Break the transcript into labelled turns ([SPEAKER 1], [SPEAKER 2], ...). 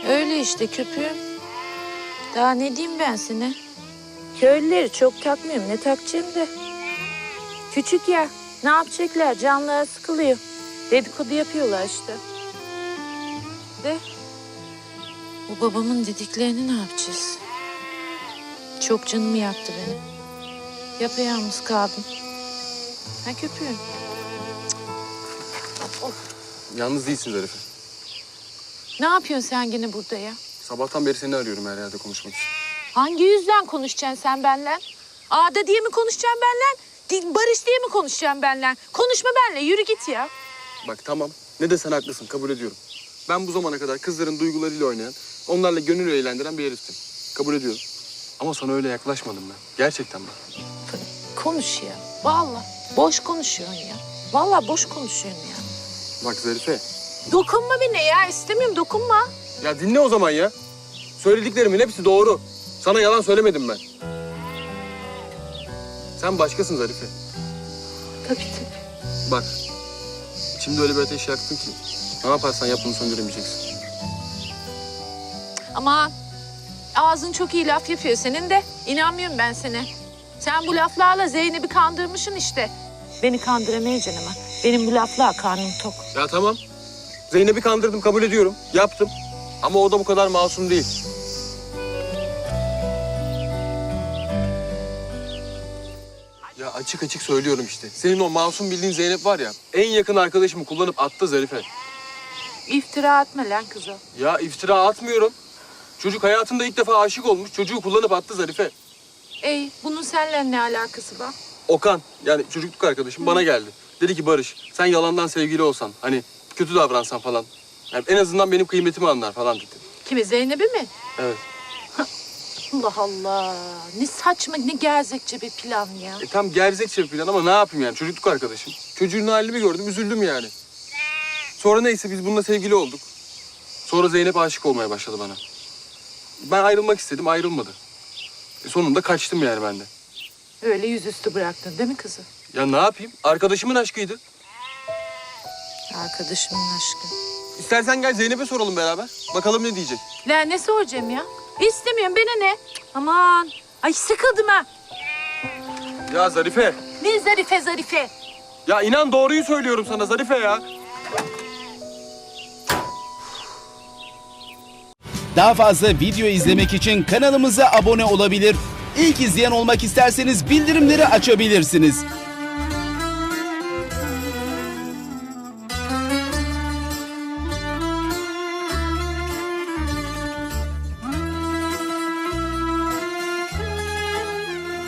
[SPEAKER 1] Öyle işte köpüğüm. Daha ne diyeyim ben sana? Köylüleri çok takmıyorum. Ne takacağım da. Küçük ya. Ne yapacaklar? Canları sıkılıyor. Dedikodu yapıyorlar işte. De. Bu babamın dediklerini ne yapacağız? Çok canımı yaktı beni. Yapayalnız kaldım. Ha köpüğüm.
[SPEAKER 2] Yalnız değilsin Zarife.
[SPEAKER 1] Ne yapıyorsun sen gene burada ya?
[SPEAKER 2] Sabahtan beri seni arıyorum her yerde konuşmak için.
[SPEAKER 1] Hangi yüzden konuşacaksın sen benimle? Ağda diye mi konuşacaksın benimle? Barış diye mi konuşacaksın benimle? Konuşma benimle, yürü git ya.
[SPEAKER 2] Bak tamam, ne desen haklısın, kabul ediyorum. Ben bu zamana kadar kızların duygularıyla oynayan, onlarla gönül eğlendiren bir heriftim. Kabul ediyorum. Ama sana öyle yaklaşmadım ben. Gerçekten ben.
[SPEAKER 1] Konuş ya, vallahi. Boş konuşuyorsun ya. Vallahi boş konuşuyorsun ya.
[SPEAKER 2] Bak Zarife.
[SPEAKER 1] Dokunma bana ya, istemiyorum dokunma.
[SPEAKER 2] Ya dinle o zaman ya. Söylediklerimin hepsi doğru. Sana yalan söylemedim ben. Sen başkasın Zarife.
[SPEAKER 1] Tabii tabii.
[SPEAKER 2] Bak, şimdi öyle bir ateş yaktın ki ne yaparsan yap bunu söndüremeyeceksin.
[SPEAKER 1] Ama ağzın çok iyi laf yapıyor senin de. İnanmıyorum ben sana. Sen bu laflarla Zeynep'i kandırmışsın işte. Beni kandıramayacaksın ama. Benim bu lafla karnım tok.
[SPEAKER 2] Ya tamam. Zeynep'i kandırdım, kabul ediyorum. Yaptım. Ama o da bu kadar masum değil. Ya açık açık söylüyorum işte. Senin o masum bildiğin Zeynep var ya, en yakın arkadaşımı kullanıp attı Zarife.
[SPEAKER 1] İftira atma lan kızım.
[SPEAKER 2] Ya iftira atmıyorum. Çocuk hayatında ilk defa aşık olmuş. Çocuğu kullanıp attı Zarife.
[SPEAKER 1] Ey, bunun seninle ne alakası var?
[SPEAKER 2] Okan, yani çocukluk arkadaşım bana geldi. Dedi ki Barış, sen yalandan sevgili olsan, hani kötü davransan falan. Yani en azından benim kıymetimi anlar falan dedi.
[SPEAKER 1] Kimi, Zeynep'i mi?
[SPEAKER 2] Evet.
[SPEAKER 1] Allah Allah. Ne saçma, ne gerzekçe bir plan ya.
[SPEAKER 2] Tam gerzekçe bir plan ama ne yapayım yani, çocukluk arkadaşım. Çocuğun halini gördüm, üzüldüm yani. Sonra neyse biz bununla sevgili olduk. Sonra Zeynep aşık olmaya başladı bana. Ben ayrılmak istedim, ayrılmadı. Sonunda kaçtım yani ben de.
[SPEAKER 1] Öyle yüzüstü bıraktın değil mi kızı?
[SPEAKER 2] Ya ne yapayım? Arkadaşımın aşkıydı.
[SPEAKER 1] Arkadaşımın aşkı.
[SPEAKER 2] İstersen gel Zeynep'e soralım beraber. Bakalım ne diyecek.
[SPEAKER 1] Lan ne soracağım ya? İstemiyorum, bana ne? Aman. Ay sıkıldım ha.
[SPEAKER 2] Ya Zarife.
[SPEAKER 1] Ne Zarife Zarife?
[SPEAKER 2] Ya inan doğruyu söylüyorum sana Zarife ya.
[SPEAKER 3] Daha fazla video izlemek için kanalımıza abone olabilir. İlk izleyen olmak isterseniz bildirimleri açabilirsiniz.